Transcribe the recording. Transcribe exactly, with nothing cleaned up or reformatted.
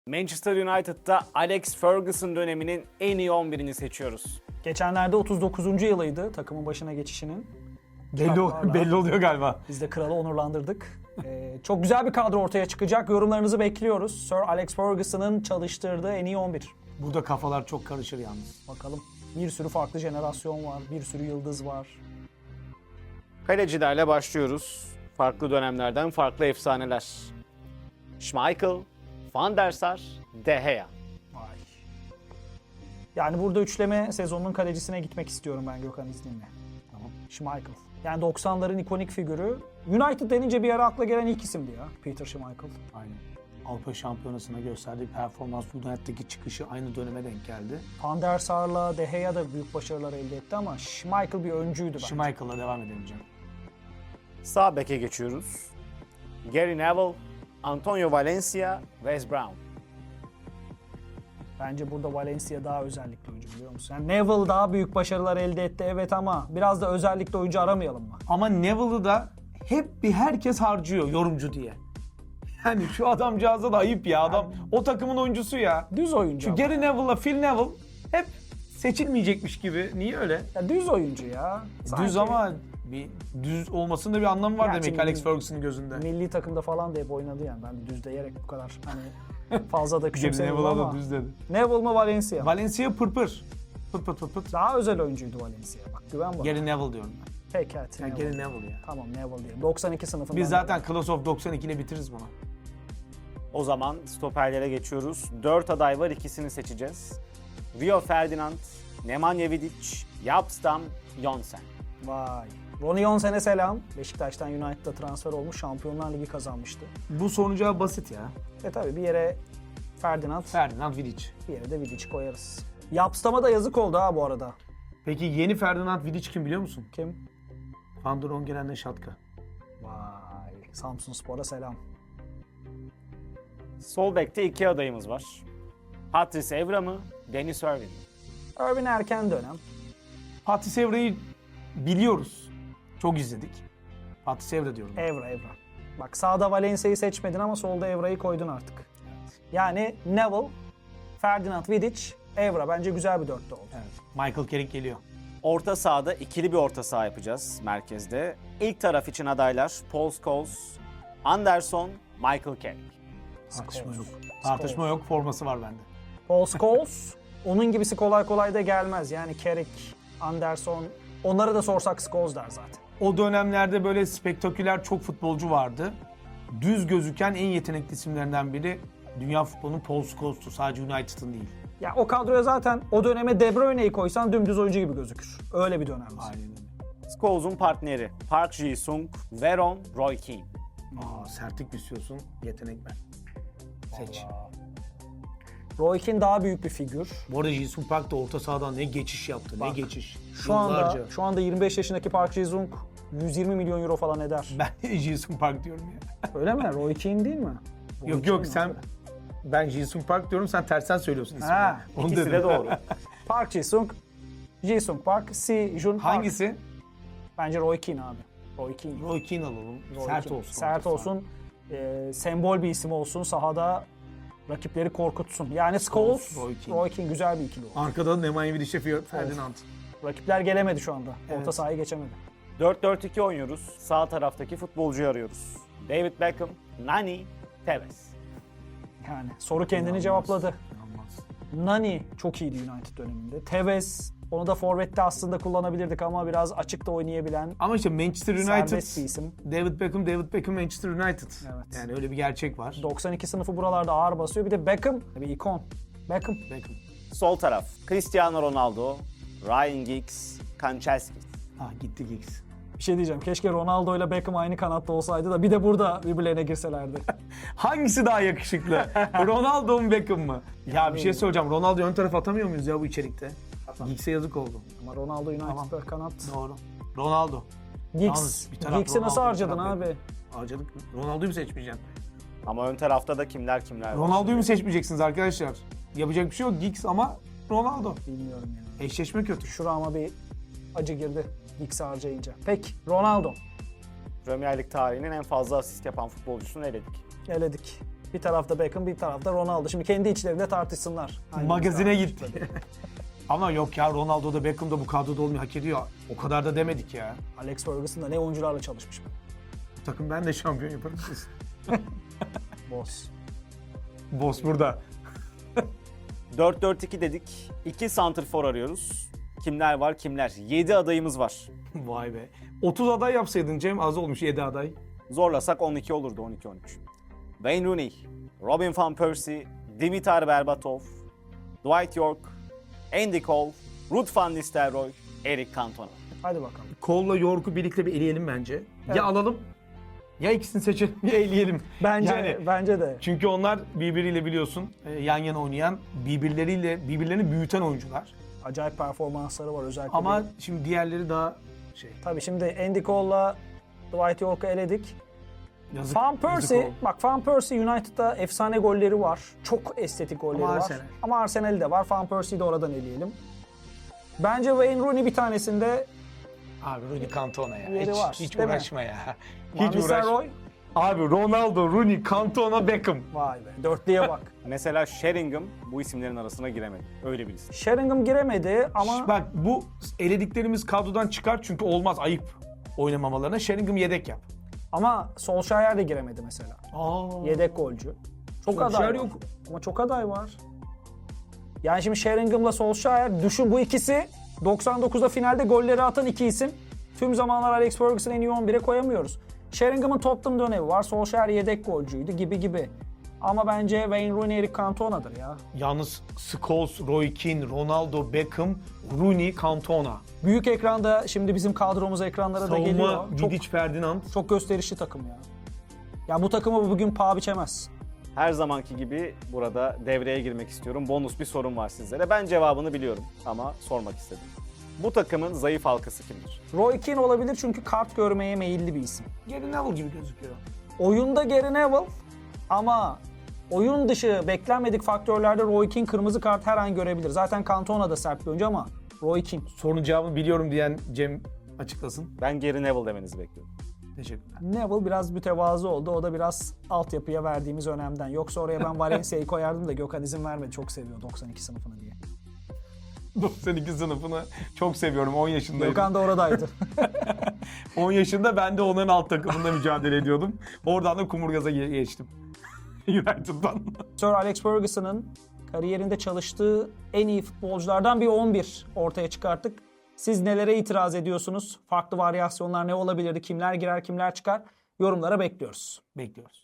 Manchester United'da Alex Ferguson döneminin en iyi on birini seçiyoruz. Geçenlerde otuz dokuzuncu yılıydı takımın başına geçişinin. Belli, ol- belli oluyor galiba. Biz de kralı onurlandırdık. Ee, çok güzel bir kadro ortaya çıkacak. Yorumlarınızı bekliyoruz. Sir Alex Ferguson'ın çalıştırdığı en iyi on bir. Burada kafalar çok karışır yalnız. Bakalım. Bir sürü farklı jenerasyon var. Bir sürü yıldız var. Kalecilerle başlıyoruz. Farklı dönemlerden farklı efsaneler. Schmeichel, Van der Sar, De Gea. Vay. Yani burada üçleme sezonunun kalecisine gitmek istiyorum ben Gökhan izninle. Tamam. Schmeichel. Yani doksanların ikonik figürü. United denince bir ara akla gelen ilk isimdi ya. Peter Schmeichel. Aynen. Avrupa Şampiyonası'na gösterdiği performans United'daki çıkışı aynı döneme denk geldi. Van der Sar'la De Gea da büyük başarılar elde etti ama Schmeichel bir öncüydü bence. Schmeichel'la devam edelim canım. Sağ beke geçiyoruz. Gary Neville, Antonio Valencia, Wes Brown. Bence burada Valencia daha özellikli oyuncu biliyor musun? Yani Neville daha büyük başarılar elde etti evet ama biraz da özellikle oyuncu aramayalım mı? Ama Neville'ı da hep bir herkes harcıyor yorumcu diye. Yani şu adamcağıza da ayıp ya. Adam o takımın oyuncusu ya. Düz oyuncu Şu ama. Gary Neville'la Phil Neville hep seçilmeyecekmiş gibi. Niye öyle? Ya düz oyuncu ya. Sanki Düz ama bir düz olmasının da bir anlamı var Gerçi demek ki Alex milli- Ferguson'ın gözünde. milli takımda falan da hep oynadı yani. Ben de düz diyerek bu kadar hani fazla da Gary küçümsemiyorum Neville'a ama. da düz dedi. Neville mı Valencia mı? Valencia pırpır. Pıt pıt pıt pıt. Daha özel oyuncuydu Valencia. Bak güven bana. Gary Neville diyorum ben. Peki hadi Yani Neville. Gary Neville ya. Tamam Neville diyelim. doksan iki sınıfından. Biz zaten Class of doksan iki ile bitiririz bunu. O zaman stoperlere geçiyoruz. Dört aday var, ikisini seçeceğiz. Rio Ferdinand, Nemanja Vidic, Yapstam, Jonsen. Vay. Ronnie Jonsen'e selam. Beşiktaş'tan United'a transfer olmuş. Şampiyonlar Ligi kazanmıştı. Bu sonuca basit ya. E tabi bir yere Ferdinand, Ferdinand Vidic. bir yere de Vidic koyarız. Yapstam'a da yazık oldu ha bu arada. Peki yeni Ferdinand Vidic kim biliyor musun? Kim? Van der Ongelen'le Şatka. Vay. Samsunspor'a selam. Sol bekte iki adayımız var. Patrice Evra mı, Dennis Irwin mi? Irvin erken dönem. Patrice Evra'yı biliyoruz. Çok izledik. Patrice Evra diyorum. Evra Evra. Bak sağda Valencia'yı seçmedin ama solda Evra'yı koydun artık. Yani Neville, Ferdinand Vidic, Evra. Bence güzel bir dörtlü oldu. Evet. Michael Carrick geliyor. Orta sahada ikili bir orta saha yapacağız merkezde. İlk taraf için adaylar Paul Scholes, Anderson, Michael Carrick. Tartışma yok. Scholes. Tartışma yok. Forması var bende. Paul Scholes, onun gibisi kolay kolay da gelmez. Yani Carrick, Anderson, onları da sorsak Scholes der zaten. O dönemlerde böyle spektaküler çok futbolcu vardı. Düz gözüken en yetenekli isimlerinden biri dünya futbolunun Paul Scholes'tu. Sadece United'ın değil. Ya o kadroya zaten o döneme De Bruyne'yi koysan dümdüz oyuncu gibi gözükür. Öyle bir dönemdi. Aynen öyle. Scholes'un partneri Park Ji-sung, Veron, Roy Keane. Aa, sertlik istiyorsun. Yetenek ben. Seç. Roy Keane daha büyük bir figür. Bu arada Ji-sung Park da orta sahadan ne geçiş yaptı. Bak, ne geçiş. Şu anda Yıllarca. şu anda yirmi beş yaşındaki Park Ji-sung yüz yirmi milyon euro falan eder. Ben Ji-sung Park diyorum ya. Öyle mi? Roy Keane değil mi? Roy Yok Keane yok mi? sen ben Ji-sung Park diyorum sen tersten söylüyorsun ismini. Ha, Onu İkisi dedim. de doğru. Park Ji-sung, Ji-sung Park, Si Jun Park. Hangisi? Bence Roy Keane abi. Roy Keane. Roy Keane alalım. Roy Sert Keane. olsun. Sert orta saha. olsun. E, sembol bir isim olsun. Sahada rakipleri korkutsun. Yani Scholes, Roy Roy Keane. Keane. güzel bir ikili oldu. Arkada Nemanja Vidic'e Ferdinand. Rakipler gelemedi şu anda. Orta Evet. sahayı geçemedi. dört dört iki oynuyoruz. Sağ taraftaki futbolcuyu arıyoruz. David Beckham, Nani, Tevez. Yani soru kendini İnanılmaz. cevapladı. İnanılmaz. Nani çok iyiydi United döneminde. Tevez onu da forvette aslında kullanabilirdik ama biraz açıkta oynayabilen Ama işte Manchester serbest bir United, isim. David Beckham, David Beckham Manchester United. Evet. Yani öyle bir gerçek var. doksan iki sınıfı buralarda ağır basıyor. Bir de Beckham bir ikon. Beckham. Beckham. Sol taraf Cristiano Ronaldo, Ryan Giggs, Kanchelskis. Ha gitti Giggs. Bir şey diyeceğim. Keşke Ronaldo ile Beckham aynı kanatta olsaydı da bir de burada birbirlerine girselerdi. Hangisi daha yakışıklı? Ronaldo mu Beckham mı? Ya bir şey söyleyeceğim. Ronaldo ön tarafa atamıyor muyuz ya bu içerikte? Giggs'e yazık oldu. Ama Ronaldo United'da Tamam. kanat. Doğru. Ronaldo. Giggs. Yalnız bir taraf Giggs'i nasıl Ronaldo, bir harcadın taraf abi? Harcadık. Ronaldo'yu mu seçmeyeceksin? Ama ön tarafta da kimler kimler var. Ronaldo'yu mu seçmeyeceksiniz arkadaşlar? Yapacak bir şey yok. Giggs ama Ronaldo. Bilmiyorum yani. Eşleşme kötü. Şurama bir acı girdi Giggs'i harcayınca. Peki Ronaldo. Premier Lig tarihinin en fazla asist yapan futbolcusunu eledik. Eledik. Bir tarafta Beckham, bir tarafta Ronaldo. Şimdi kendi içlerinde tartışsınlar. Hangimiz Magazine daha gitti. yakışıklı? Ama yok ya, Ronaldo da Beckham da bu kadroda olmayı hak ediyor. O kadar da demedik ya. Alex Ferguson da ne oyuncularla çalışmış. Bu takım ben de şampiyon yaparım. Boss. Boss burada. dört dört iki dedik. iki santrfor arıyoruz. Kimler var kimler? yedi adayımız var. Vay be. otuz aday yapsaydın Cem, az olmuş yedi aday. Zorlasak on iki olurdu, on iki on üç. Wayne Rooney, Robin van Persie, Dimitar Berbatov, Dwight York, Andy Cole, Ruud van Nistelrooy, Eric Cantona. Hadi bakalım. Cole'la York'u birlikte bir eleyelim bence. Evet. Ya alalım, ya ikisini seçelim, ya eleyelim. Bence Yani- bence de. Çünkü onlar birbiriyle biliyorsun e, yan yana oynayan, birbirleriyle birbirlerini büyüten oyuncular. Acayip performansları var özellikle. Ama bir- şimdi diğerleri daha şey. tabii şimdi Andy Cole'la Dwight York'u eledik. Yazık. Van yazık Persie, oldu. bak Van Persie United'da efsane golleri var. Çok estetik golleri Ama var. Arsenal. Ama Arsenal'i de var. Van Persie'yi de oradan eleyelim. Bence Wayne Rooney bir tanesinde Abi Rooney Cantona ya. Yeri Hiç, var, hiç değil mi? uğraşma ya. Van Hiç uğraşma. Nistelrooy. Abi Ronaldo, Rooney, Cantona, Beckham. Vay be, dörtlüye bak. Mesela Sheringham bu isimlerin arasına giremedi. Öyle bir isim. Sheringham giremedi ama Bak bu elediklerimiz kadrodan çıkar çünkü olmaz, ayıp oynamamalarına. Sheringham yedek yap. ama Solskjaer de giremedi mesela. Aa. Yedek golcü. Çok Solskjaer aday var. yok. Ama çok aday var. Yani şimdi Sheringham'la Solskjaer, düşün bu ikisi doksan dokuzda finalde golleri atan iki isim. Tüm zamanlar Alex Ferguson'ı en iyi on bire koyamıyoruz. Sheringham'ın Tottenham dönemi var. Solskjaer yedek golcüydü gibi gibi. Ama bence Wayne Rooney, Eric Cantona'dır ya. Yalnız Scholes, Roy Keane, Ronaldo, Beckham, Rooney, Cantona. Büyük ekranda şimdi bizim kadromuz ekranlara da geliyor. Savunma Çok, Vidic, Ferdinand. çok gösterişli takım ya. Ya bu takımı bugün paha biçemez. Her zamanki gibi burada devreye girmek istiyorum. Bonus bir sorum var sizlere. Ben cevabını biliyorum ama sormak istedim. Bu takımın zayıf halkası kimdir? Roy Keane olabilir çünkü kart görmeye meyilli bir isim. Gary Neville gibi gözüküyor. Oyunda Gary Neville ama oyun dışı beklenmedik faktörlerde Roy Keane kırmızı kart her an görebilir. Zaten Cantona da sert bir oyuncu ama Roy Keane. Sorunun cevabını biliyorum diyen Cem açıklasın. Ben Gary Neville demenizi bekliyorum. Teşekkürler. Neville biraz mütevazı oldu. O da biraz altyapıya verdiğimiz önemden. Yoksa oraya ben Valencia'yı koyardım da Gökhan izin vermedi. Çok seviyor doksan iki sınıfını diye. doksan iki sınıfını çok seviyorum. on yaşındaydım. Gökhan da oradaydı. on yaşında ben de onların alt takımında mücadele ediyordum. Oradan da Kumurgaz'a ge- geçtim. United'dan. Sir Alex Ferguson'ın kariyerinde çalıştığı en iyi futbolculardan bir on bir ortaya çıkarttık. Siz nelere itiraz ediyorsunuz? Farklı varyasyonlar ne olabilirdi? Kimler girer, kimler çıkar? Yorumlara bekliyoruz. Bekliyoruz.